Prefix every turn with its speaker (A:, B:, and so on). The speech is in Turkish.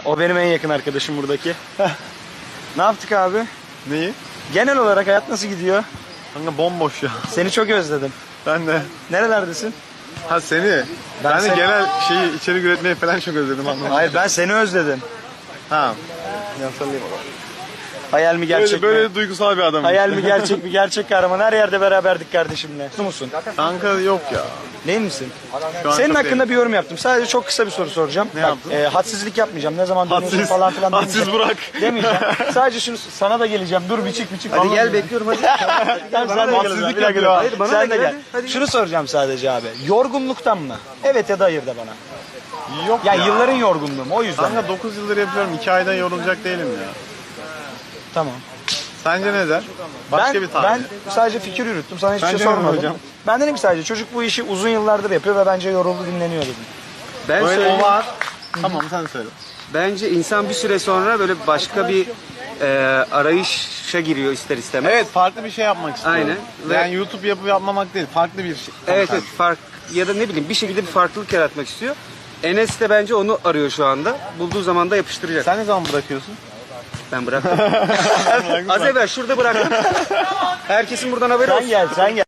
A: O benim en yakın arkadaşım buradaki. Ne yaptık abi?
B: Neyi?
A: Genel olarak hayat nasıl gidiyor?
B: Kanka bomboş ya.
A: Seni çok özledim.
B: Ben de.
A: Nerelerdesin?
B: Ha seni. Ben de
A: seni-
B: genel şeyi içerik üretmeyi falan çok özledim anlamadım.
A: Hayır, ben seni özledim.
B: Ha. Yasalayayım o.
A: Hayal mi gerçek
B: Böyle
A: mi?
B: duygusal bir adamım.
A: Hayal mi gerçek mi? Gerçek kahraman. Her yerde beraberdik kardeşimle. Mutlu musun?
B: Kanka yok ya.
A: Değil misin?
B: Şu an
A: Senin
B: çok
A: hakkında
B: değilim.
A: bir yorum yaptım. Sadece çok kısa bir soru soracağım.
B: Ne
A: Bak,
B: yaptın?
A: hadsizlik yapmayacağım. Ne zaman dönüyorsun
B: Hadsiz,
A: falan filan
B: hadsiz
A: demeyeceğim.
B: Burak.
A: Demeyeceğim. Sadece şunu sana da geleceğim. Dur biçik.
C: Hadi gel bekliyorum hadi.
A: Tamam, sen de gel.
B: hadsizlik
A: Bir dakika,
B: yapıyor.
A: dur.
B: Hayır,
C: bana
A: Sen
C: da
A: de
C: gel,
A: gel.
C: hadi, hadi
A: Şunu soracağım sadece abi. Yorgunluktan mı? Evet ya da hayır da bana.
B: Yok
A: Ya
B: ya.
A: yılların yorgunluğu mu? O yüzden.
B: Kanka 9 yıldır yapıyorum. 2 aydan yorulacak değilim ya.
A: Tamam.
B: Sence ne der? Başka bir tahmin.
A: Ben sadece fikir yürüttüm. Sana hiçbir
B: Bence
A: şey
B: ne
A: sormadım.
B: hocam?
A: Ben dedim ki sadece çocuk bu işi uzun yıllardır yapıyor ve bence yoruldu dinleniyor dedim.
C: Ben
B: Öyle
C: söyleyeyim.
B: o var. Tamam sen söyle.
C: Bence insan bir süre sonra böyle başka bir arayışa giriyor ister istemez.
B: Evet farklı bir şey yapmak istiyorum.
C: Aynen.
B: Yani YouTube yapıp yapmamak değil. Farklı bir şey.
C: Evet fark ya da ne bileyim bir şekilde bir farklılık yaratmak istiyor. Enes de bence onu arıyor şu anda. Bulduğu zaman da yapıştıracak.
B: Sen ne zaman bırakıyorsun?
C: Ben bıraktım. Az evvel şurada bıraktım. Herkesin buradan haberi
A: Sen
C: olsun.
A: gel, sen gel.